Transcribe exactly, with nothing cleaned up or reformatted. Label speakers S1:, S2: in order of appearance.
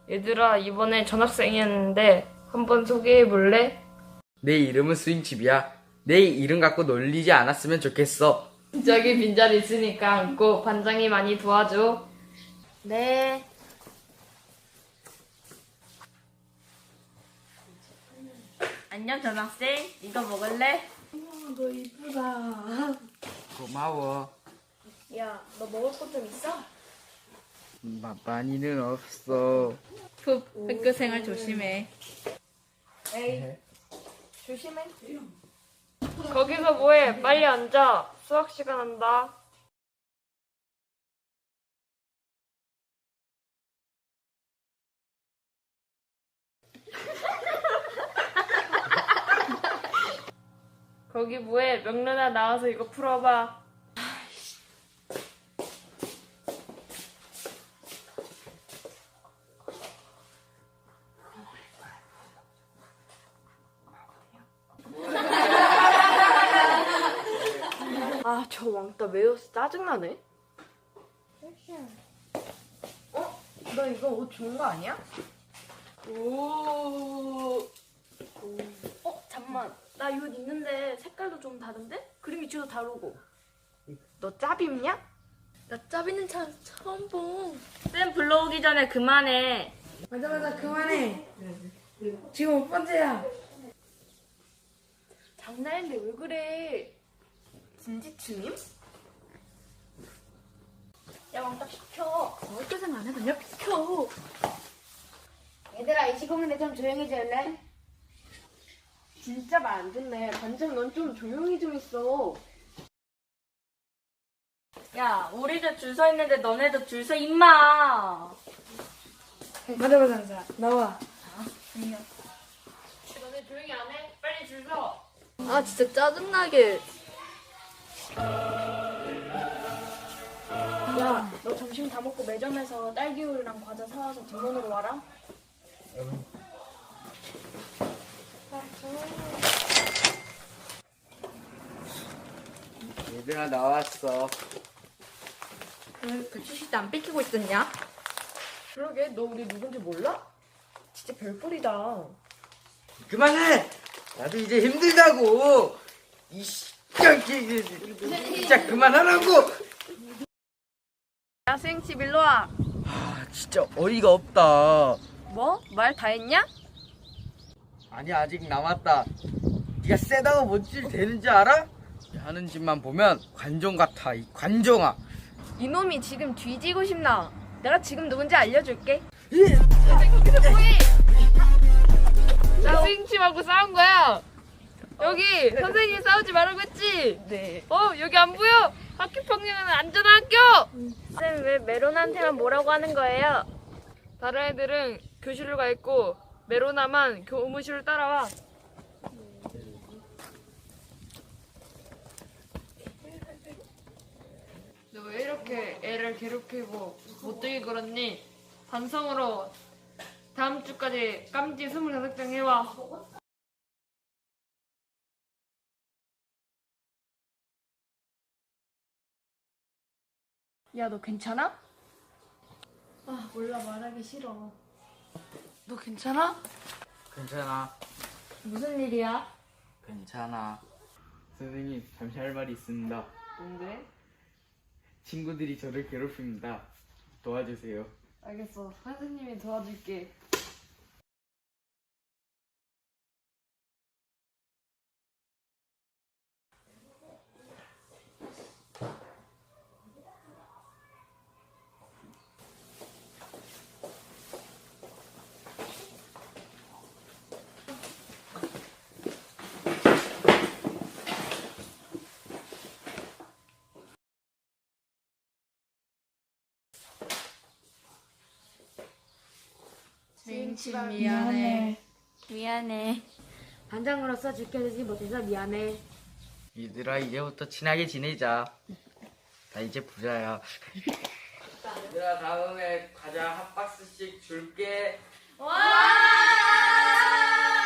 S1: 얘들아, 이번에 전학생이었는데 한번 소개해 볼래?
S2: 내 이름은 스윙칩이야. 내 이름 갖고 놀리지 않았으면 좋겠어.
S1: 저기 빈자리 있으니까 앉고 반장이 많이 도와줘.
S3: 네. 안녕 전학생. 이거 먹을래?
S1: 너 이쁘다.
S2: 고마워.
S3: 야, 너 먹을 것 좀 있어?
S2: 마, 많이는 없어.
S3: 푹 학교 생활 조심해.
S1: 에이, 조심해. 거기서 뭐해? 빨리 앉아. 수학 시간 한다. 거기 뭐해? 명란아 나와서 이거 풀어봐.
S4: 아, 저 왕따 매워서 짜증나네. 어? 너 이거 옷 좋은 거 아니야? 오. 어, 잠만. 나 이 옷 있는데 색깔도 좀 다른데? 그림 위치도 다르고. 너 짭 입냐? 나 짭 있는 차 처음 봄.
S3: 쌤 불러오기 전에 그만해.
S4: 맞아, 맞아. 그만해. 지금 몇 번째야? 장난인데 왜 그래? 진지추님? 야, 왕따 시켜. 어떻게 생각 안 해봤냐? 시켜.
S5: 얘들아, 이 시간인데 좀 조용히 지을래?
S4: 진짜 말 안 듣네. 반장 넌 좀 조용히 좀 있어.
S3: 야, 우리도 줄 서 있는데 너네도 줄 서 임마.
S4: 맞아, 맞아, 맞아. 나와.
S1: 너네 조용히 안 해? 빨리 줄 서.
S4: 아, 진짜 짜증나게. 야, 너 점심 다 먹고 매점에서 딸기우유랑 과자 사와서 뒷문으로 와라.
S2: 얘들아 나왔어.
S4: 왜 배추시대 안 뺏기고 있었냐? 그러게, 너 우리 누군지 몰라? 진짜 별꼴이다.
S2: 그만해. 나도 이제 힘들다고. 이씨, 진짜 그만하라고.
S4: 야, 스윙칩 일로 와.
S2: 아, 진짜 어이가 없다.
S4: 뭐? 말 다 했냐?
S2: 아니 아직 남았다. 네가 세다고 뭔줄 되는지 알아? 하는 짓만 보면 관종 같아. 이 관종아.
S4: 이놈이 지금 뒤지고 싶나? 내가 지금 누군지 알려줄게.
S1: 나 스윙칩하고 싸운 거야. 여기 선생님 싸우지 말라고 했지?
S4: 네.
S1: 어, 여기 안 보여? 학교 평균은 안전한 학교!
S3: 쌤 왜 메론한테만 뭐라고 하는 거예요?
S1: 다른 애들은 교실로 가 있고 메로나만 교무실로 따라와. 너 왜 이렇게 애를 괴롭히고 못되게 굴었니? 반성으로 다음 주까지 깜지 스물다섯 장 해와.
S4: 야, 너 괜찮아?
S1: 아, 몰라, 말하기 싫어.
S4: 너 괜찮아?
S2: 괜찮아.
S1: 무슨 일이야?
S2: 괜찮아. 선생님 잠시 할 말이 있습니다.
S1: 뭔데?
S2: 친구들이 저를 괴롭힙니다. 도와주세요.
S1: 알겠어. 선생님이 도와줄게.
S3: 스윙칩 미안해. 미안해.
S5: 반장으로서 지켜주지 못해서 미안해.
S2: 얘들아 이제부터 친하게 지내자. 나 이제 부자야. 얘들아 다음에 과자 한 박스씩 줄게.
S3: 와!